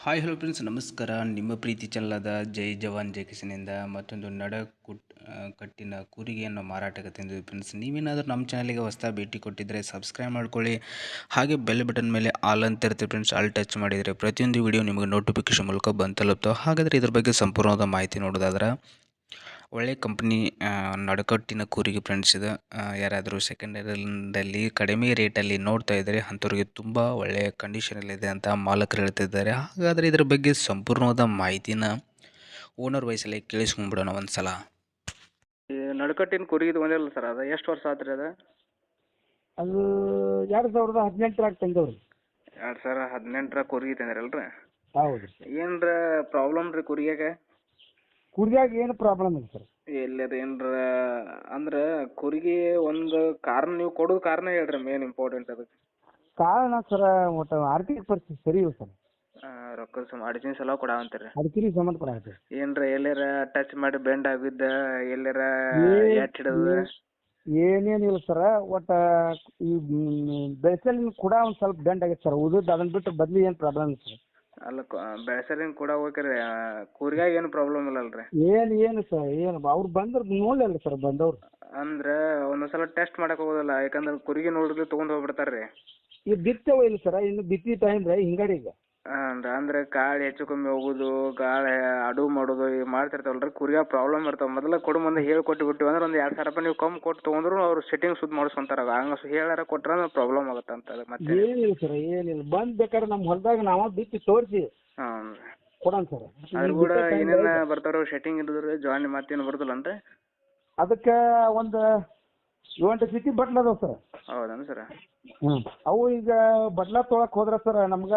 Hi hello friends ನಮಸ್ಕಾರ. ನಿಮ್ಮ ಪ್ರೀತಿ ಚೆಲ್ಲದ ಜೈ ಜವಾನ್ ಜೈ ಕಿಸನಿಂದ ಮತ್ತೊಂದು ಕಟ್ಟಿನ ಕೂರಿಗೆಯನ್ನು ಮಾರಾಟಕ್ಕೆ ತಂದಿದ್ದೀವಿ ಫ್ರೆಂಡ್ಸ್. ನೀವೇನಾದರೂ ನಮ್ಮ ಚಾನಲಿಗೆ ಹೊಸದಾಗಿ ಭೇಟಿ ಕೊಟ್ಟಿದ್ದರೆ ಸಬ್ಸ್ಕ್ರೈಬ್ ಮಾಡ್ಕೊಳ್ಳಿ. ಹಾಗೆ ಬೆಲ್ ಬಟನ್ ಮೇಲೆ ಆಲ್ ಅಂತ ಇರುತ್ತೆ ಫ್ರೆಂಡ್ಸ್. ಆಲ್ ಟಚ್ ಮಾಡಿದರೆ ಪ್ರತಿಯೊಂದು ವಿಡಿಯೋ ನಿಮಗೆ ನೋಟಿಫಿಕೇಶನ್ ಮೂಲಕ ಬಂದು ತಲುಪ್ತಾವೆ. ಹಾಗಾದರೆ ಇದ್ರ ಬಗ್ಗೆ ಸಂಪೂರ್ಣವಾದ ಮಾಹಿತಿ ನೋಡೋದಾದ್ರೆ ಒಳ್ಳೆ ಕಂಪ್ನಿ ನಡಕಟ್ಟಿನ ಕೂರಿಗೆ ಫ್ರೆಂಡ್ಸ್ ಇದು. ಯಾರಾದರೂ ಸೆಕೆಂಡ್ ಹ್ಯಾಂಡಲ್ಲಿ ಕಡಿಮೆ ರೇಟಲ್ಲಿ ನೋಡ್ತಾ ಇದ್ದರೆ ಅಂಥವ್ರಿಗೆ ತುಂಬ ಒಳ್ಳೆಯ ಕಂಡೀಷನಲ್ಲಿದೆ ಅಂತ ಮಾಲಕರು ಹೇಳ್ತಿದ್ದಾರೆ. ಹಾಗಾದರೆ ಇದ್ರ ಬಗ್ಗೆ ಸಂಪೂರ್ಣವಾದ ಮಾಹಿತಿನ ಓನರ್ ವಯಸ್ಸಲ್ಲಿ ಕೇಳಿಸ್ಕೊಂಡ್ಬಿಡೋಣ ಒಂದು ಸಲ. ಈ ನಡುಕಟ್ಟಿನ ಕುರಿದು ಒಂದಿಲ್ಲ ಸರ್, ಅದು ಎಷ್ಟು ವರ್ಷ ಆತ್ರಿ ಅದು? ಅದು 2018 ತಂದವ್ರಿ. 2018 ಕುರಿ ತಂದಿರಲ್ರಿ? ಹೌದು. ಏನ್ರ ಪ್ರಾಬ್ಲಮ್ ರೀ ಕುರಿಯಾಗ? ಕುರಿಯಾಗ ಏನು ಪ್ರಾಬ್ಲಮ್ ಇಲ್ಲ ಸರ್. ಎಲ್ಲರ ಏನ್ರ ಅಂದ್ರೆ ಕುರಿಗೆ ಒಂದು ಕಾರಣ ನೀವು ಕೊಡೋದು ಕಾರಣ ಹೇಳ್ರಿ, ಮೇನ್ ಇಂಪಾರ್ಟೆಂಟ್ ಅದಕ್ಕೆ. ಕಾರಣ ಸರ ಒಟ್ಟು ಆರ್ಥಿಕ ಪರಿಸ್ಥಿತಿ ಸರಿ ಇಲ್ಲ ಸರ್. ರೊಕ್ಕದ ಅಡಿಜಿನ್ ಸಲ ಕೊಡಾವಂತೀರಿ? ಅದಕ್ಕೆ ಸಂಬಂಧಪಟ್ಟ ಆಗುತ್ತೆ. ಏನ್ರ ಎಲ್ಲಾರ ಟಚ್ ಮಾಡಿ ಬೆಂಡ್ ಆಗಿದ್ದ, ಎಲ್ಲಾರ ಎಟ್ ಹಿಡಿದ? ಏನೇನಿಲ್ಲ ಸರ, ಒಟ್ಟು ಈ ಬೆಳೆಸಲಿನ ಕೂಡ ಒಂದು ಸ್ವಲ್ಪ ಬೆಂಡ್ ಆಗೈತೆ ಸರ್. ಉಳಿದು ಅದನ್ನ ಬಿಟ್ಟು ಬದ್ಲಿ ಏನು ಪ್ರಾಬ್ಲಮ್ ಇಲ್ಲ ಸರ್. ಅಲ್ಲ ಬೆಳೆಸಲಿನ ಕೂಡ ಹೋಗ್ರಿ, ಕುರಿಯಾಗ ಏನು ಪ್ರಾಬ್ಲಮ್ ಇಲ್ಲಲ್ರಿ? ಏನು ಸರ್, ಏನು ಅವ್ರು ಬಂದ್ರೆ ನೋಡಲಿಲ್ಲ ಸರ್ ಬಂದವ್ರು. ಅಂದ್ರೆ ಒಂದೊಂದ್ಸಲ ಟೆಸ್ಟ್ ಮಾಡಕ್ ಹೋಗೋದಿಲ್ಲ, ಯಾಕಂದ್ರೆ ಕುರಿಗೆ ನೋಡಿದ್ರೆ ತೊಗೊಂಡು ಹೋಗ್ಬಿಡ್ತಾರ್ರಿ. ಈಗ ಬಿತ್ತವ ಇಲ್ಲ ಸರ, ಇನ್ನು ಬಿತ್ತಿ ಟೈಮ್ ರೀ ಹಿಂಗಡಿ ಈಗ. ಅಂದ್ರೆ ಗಾಳಿ ಹೆಚ್ಚು ಕಮ್ಮಿ ಹೋಗುದು, ಗಾಳಿ ಅಡು ಮಾಡೋದು ಈಗ ಮಾಡ್ತಿರ್ತಾವಲ್ರಿ, ಕುರಿಯಾಗ ಪ್ರಾಬ್ಲಮ್ ಇರ್ತಾವ. ಮೊದಲ ಕೊಡು ಮುಂದೆ ಹೇಳಿ ಕೊಟ್ಟು ಬಿಟ್ಟಿವಿ ಅಂದ್ರೆ ಒಂದು 2000 ರೂಪಾಯಿ ನೀವು ಕಮ್ಮಿ ಕೊಟ್ಟು ತೊಗೊಂಡ್ರು ಅವ್ರು ಸೆಟ್ಟಿಂಗ್ ಸುದ್ದು ಮಾಡಿಸ್ಕೊಂತಾರ. ಹಂಗ ಹೇಳಾರ ಕೊಟ್ರ ಪ್ರಾಬ್ಲಮ್ ಆಗುತ್ತೆ ಅಂತ. ಮತ್ತೆ ಏನಿಲ್ಲ ಸರ್, ಏನಿಲ್ಲ. ಬಂದ್ ಬೇಕಾದ್ರೆ ನಮ್ಮ ಹೊಲದಾಗ ನಾವ ಬಿತ್ತಿ ತೋರಿಸಿ ಕೊಡೋಣ ಸರ್. ಅದ್ರ ಕೂಡ ಏನೇನ ಬರ್ತಾರ ಸೆಟ್ಟಿಂಗ್ ಇಡಿದ್ರಿ ಜಾಯಿನ್ ಮತ್ತೇನು ಬರ್ತಲ್ಲನ್ರಿ? ಅದಕ್ಕೆ ಒಂದು 7 ಜೊತೆ ಬಟ್ಲ ಅದಾವ ಸರ್. ಹೌದನ್ ಸರ್? ಅವು ಈಗ ಬಟ್ಲ ತೊಳಕ್ ಹೋದ್ರ ಸರ್ ನಮ್ಗ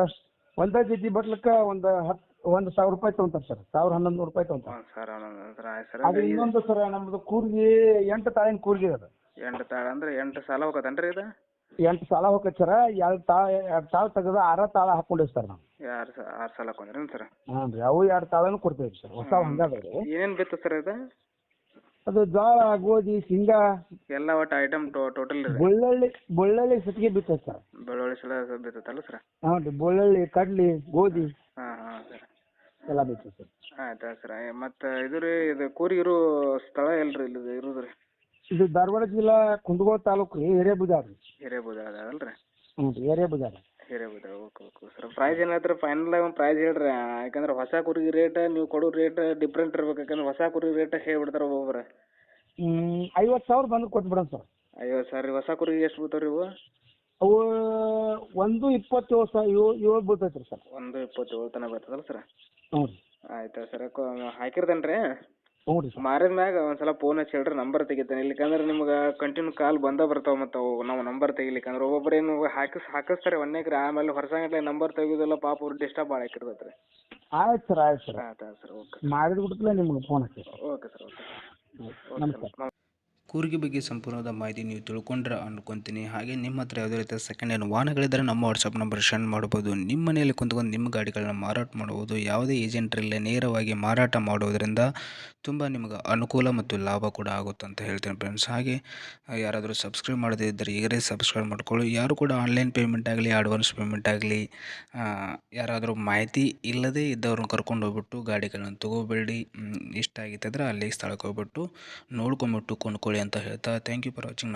ಒಂದ ಜೊತೆ ಬಟ್ಲಕ್ಕ ಒಂದು 1000 ರೂಪಾಯಿ ತಗೊಂತಾರ ಸರ್. 1100 ರೂಪಾಯಿ ತಗೊಂತಾರ ಸರ್. ಅದು ಇನ್ನೊಂದು ಸರ್, ನಮ್ದು ಕೂರ್ಗಿ 8 ತಾಳಿನ ಕೂರ್ಗಿ ಅದ. 8 ತಾಳ ಅಂದ್ರೆ 8 ಸಾಲ ಹೋಗತ್ತನ್ರಿ ಇದು? 8 ಸಾಲ ಹೋಗತ್ ಸರ್. 2 ತಾಳ ತೆಗೆದು 6 ತಾಳ ಹಾಕೊಂಡಿವಿ ಸರ್ ನಾವು. 6 ಸಾಲ ಹಾಕೊಂಡ್ರಿ ಸರ್? ಹ್ಞೂ ರೀ, ಅವು 2 ತಾಳನು ಕೊಡ್ತೇವೆ ಸರ್. ಹೊಸ ಹಂಗಾದ್ರಿ. ಏನೇನ್ ಬಿತ್ತು ಸರ್ ಇದು? ಅದು ಜೋಳ, ಗೋಧಿ, ಶೇಂಗಾ ಎಲ್ಲ ಒಟ್ಟು ಐಟಮ್ ಟೋಟಲ್ ರೀ? ಬಳ್ಳೊಳ್ಳಿ ಸತಿಗೆ ಬಿತ್ತೈತೆ ಸರ್. ಬೆಳ್ಳುಳ್ಳಿ ಸಲ ಬಿತ್ತಲ್ಲ ಸರ್? ಹ್ಞೂ ರೀ, ಬಳ್ಳೊಳ್ಳಿ, ಕಡ್ಲಿ, ಗೋಧಿ ಸರ್ ಎಲ್ಲ ಬಿತ್ತೈತೆ ಸರ್. ಆಯ್ತಾ ಸರ್. ಮತ್ತು ಇದು ರೀ, ಇದು ಕೂರಿ ಇರೋ ಸ್ಥಳ ಎಲ್ರಿ ಇಲ್ಲಿ ಇರೋದು ರೀ? ಇದು ಧಾರವಾಡ ಜಿಲ್ಲಾ ಕುಂದಗೋಳ ತಾಲೂಕು ರೀ, ಹಿರೇಬುಜಾರ್ ರೀ. ಹಿರೇಬುಜಾರ ಅಲ್ರಿ? ಹ್ಞೂ ರೀ, ಹಿರೇಬುಜಾರ. ಹಿರೇಬುಜಾರ. Okay sir. ಪ್ರೈಸ್ ಏನಾಯ್ತು ಫೈನಲ್ ಒಂದು ಪ್ರೈಸ್ ಹೇಳ್ರಿ. ಯಾಕಂದ್ರೆ ಹೊಸ ಕುರಿಗೆ ರೇಟ್ ನೀವು ಕೊಡೋ ರೇಟ್ ಡಿಫ್ರೆಂಟ್ ಇರ್ಬೇಕು. ಯಾಕಂದ್ರೆ ಹೊಸ ಕುರಿ ರೇಟ್ ಹೇಳ್ಬಿಡ್ತಾರೆ ಒಬ್ಬೊಬ್ರು. 50,000 ಬಂದು ಕೊಟ್ಬಿಡೋಣ ಸರ್. 50,000 ರೀ? ಹೊಸ ಕುರಿಗೆ ಎಷ್ಟು ಬೀಳ್ತಾವೆ ರೀ ಇವು? ಅವು 1,27,700 ಬೀಳ್ತೈತೆ ರೀ ಸರ್. 1,27,000 ತನಕ ಬರ್ತದಲ್ಲ ಸರ್? ಹ್ಞೂ ರೀ. ಆಯ್ತಾ ಸರ್. ಹಾಕಿರ್ತೇನೆ ರೀ. ಹ್ಞೂ ರೀ ಸರ್. ಮಾರಿದ ಮ್ಯಾಗ ಒಂದ್ಸಲ ಫೋನ್ ಹಚ್ಚಿ ಹೇಳ್ರಿ, ನಂಬರ್ ತೆಗಿತೇನೆ. ಇಲ್ಲಿಕಂದ್ರೆ ನಿಮ್ಗೆ ಕಂಟಿನ್ಯೂ ಕಾಲ್ ಬರ್ತಾವೆ ಮತ್ತು ಅವು ನಾವು ನಂಬರ್ ತೆಗಿಲಿಕ್ಕಂದ್ರೆ ಒಬ್ಬೊಬ್ರು ಏನು ಹಾಕಿಸ್ತಾರೆ ಒಂದೇಕ್ರಿ, ಆಮೇಲೆ ಹೊರಸಂಗಟ್ಲೆ ನಂಬರ್ ತೆಗಿಯೋದಿಲ್ಲ, ಪಾಪ ಅವ್ರು ಡಿಸ್ಟರ್ಬ್ ಭಾಳ ಹಾಕಿರ್ತೈತೆ ರೀ. ಆಯ್ತು ಸರ್, ಆಯ್ತು ಸರ್. ಆಯ್ತು ಸರ್. ಓಕೆ ಮಾಡಿದ ಬಿಡ್ತಲೇ ನಿಮ್ಗೆ ಫೋನ್ ಹಚ್ಚಿ. Okay sir. ಓಕೆ ನಮಸ್ಕಾರ. ಕೂರಿಗೆ ಬಗ್ಗೆ ಸಂಪೂರ್ಣವಾದ ಮಾಹಿತಿ ನೀವು ತಿಳ್ಕೊಂಡ್ರೆ ಅನ್ಕೊತೀನಿ. ಹಾಗೆ ನಿಮ್ಮ ಹತ್ರ ಯಾವುದೇ ರೀತಿಯ ಸೆಕೆಂಡ್ ಹ್ಯಾಂಡ್ ವಾಹನಗಳಿದ್ದರೆ ನಮ್ಮ ವಾಟ್ಸಪ್ ನಂಬರ್ ಸೆಂಡ್ ಮಾಡ್ಬೋದು. ನಿಮ್ಮ ಮನೆಯಲ್ಲಿ ಕುಂತ್ಕೊಂಡು ನಿಮ್ಮ ಗಾಡಿಗಳನ್ನ ಮಾರಾಟ ಮಾಡ್ಬೋದು. ಯಾವುದೇ ಏಜೆಂಟ್ರಲ್ಲೇ ನೇರವಾಗಿ ಮಾರಾಟ ಮಾಡೋದರಿಂದ ತುಂಬ ನಿಮ್ಗೆ ಅನುಕೂಲ ಮತ್ತು ಲಾಭ ಕೂಡ ಆಗುತ್ತೆ ಅಂತ ಹೇಳ್ತೀನಿ ಫ್ರೆಂಡ್ಸ್. ಹಾಗೆ ಯಾರಾದರೂ ಸಬ್ಸ್ಕ್ರೈಬ್ ಮಾಡದೇ ಇದ್ದರೆ ಈಗಲೇ ಸಬ್ಸ್ಕ್ರೈಬ್ ಮಾಡ್ಕೊಳ್ಳಿ. ಯಾರು ಕೂಡ ಆನ್ಲೈನ್ ಪೇಮೆಂಟ್ ಆಗಲಿ ಅಡ್ವಾನ್ಸ್ ಪೇಮೆಂಟ್ ಆಗಲಿ ಯಾರಾದರೂ ಮಾಹಿತಿ ಇಲ್ಲದೇ ಇದ್ದವ್ರನ್ನ ಕರ್ಕೊಂಡು ಹೋಗ್ಬಿಟ್ಟು ಗಾಡಿಗಳನ್ನ ತೊಗೋಬೇಡಿ. ಇಷ್ಟ ಆಗಿತ್ತಂದ್ರೆ ಅಲ್ಲಿ ಸ್ಥಳಕ್ಕೆ ಹೋಗ್ಬಿಟ್ಟು ನೋಡ್ಕೊಂಬಿಟ್ಟು ಕೊಂಡ್ಕೊಳ್ಳಿ ಅಂತ ಹೇಳ್ತಾ ಥ್ಯಾಂಕ್ ಯು ಫಾರ್ ವಾಚಿಂಗ್.